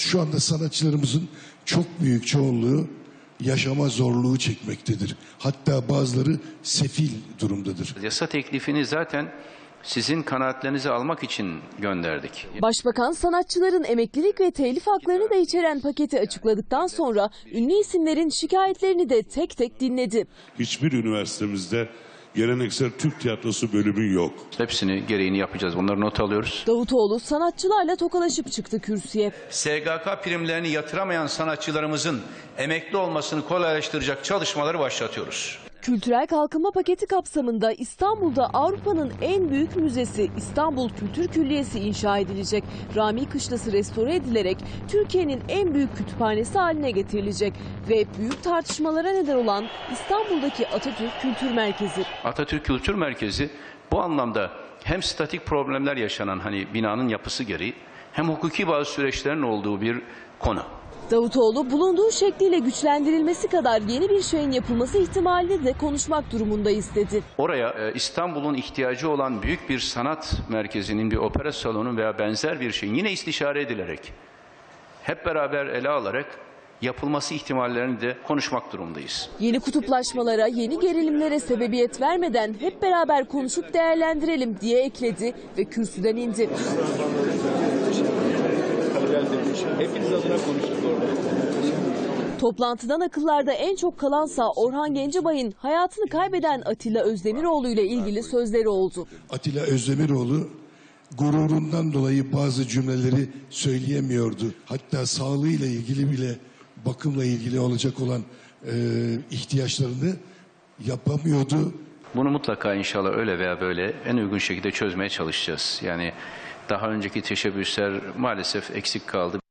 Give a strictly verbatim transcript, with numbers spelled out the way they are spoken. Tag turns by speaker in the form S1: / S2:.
S1: Şu anda sanatçılarımızın çok büyük çoğunluğu yaşama zorluğu çekmektedir. Hatta bazıları sefil durumdadır.
S2: Yasa teklifini zaten sizin kanaatlerinizi almak için gönderdik.
S3: Başbakan sanatçıların emeklilik ve telif haklarını da içeren paketi açıkladıktan sonra ünlü isimlerin şikayetlerini de tek tek dinledi.
S4: Hiçbir üniversitemizde geleneksel Türk tiyatrosu bölümü yok.
S2: Hepsini gereğini yapacağız. Bunları not alıyoruz.
S3: Davutoğlu sanatçılarla tokalaşıp çıktı kürsüye.
S5: S G K primlerini yatıramayan sanatçılarımızın emekli olmasını kolaylaştıracak çalışmaları başlatıyoruz.
S3: Kültürel kalkınma paketi kapsamında İstanbul'da Avrupa'nın en büyük müzesi İstanbul Kültür Külliyesi inşa edilecek. Rami Kışlası restore edilerek Türkiye'nin en büyük kütüphanesi haline getirilecek. Ve büyük tartışmalara neden olan İstanbul'daki Atatürk Kültür Merkezi.
S2: Atatürk Kültür Merkezi bu anlamda hem statik problemler yaşanan hani binanın yapısı gereği hem hukuki bazı süreçlerin olduğu bir konu.
S3: Davutoğlu bulunduğu şekliyle güçlendirilmesi kadar yeni bir şeyin yapılması ihtimalini de konuşmak durumundayız dedi.
S2: Oraya e, İstanbul'un ihtiyacı olan büyük bir sanat merkezinin, bir opera salonu veya benzer bir şeyin yine istişare edilerek, hep beraber ele alarak yapılması ihtimallerini de konuşmak durumundayız.
S3: Yeni kutuplaşmalara, yeni gerilimlere sebebiyet vermeden hep beraber konuşup değerlendirelim diye ekledi ve kürsüden indi.
S6: Hepiniz adına konuştuk orada.
S3: Toplantıdan akıllarda en çok kalansa Orhan Gencebay'ın hayatını kaybeden Atilla Özdemiroğlu ile ilgili sözleri oldu.
S1: Atilla Özdemiroğlu gururundan dolayı bazı cümleleri söyleyemiyordu. Hatta sağlığıyla ilgili bile bakımla ilgili olacak olan e, ihtiyaçlarını yapamıyordu.
S2: Bunu mutlaka inşallah öyle veya böyle en uygun şekilde çözmeye çalışacağız. Yani daha önceki teşebbüsler maalesef eksik kaldı.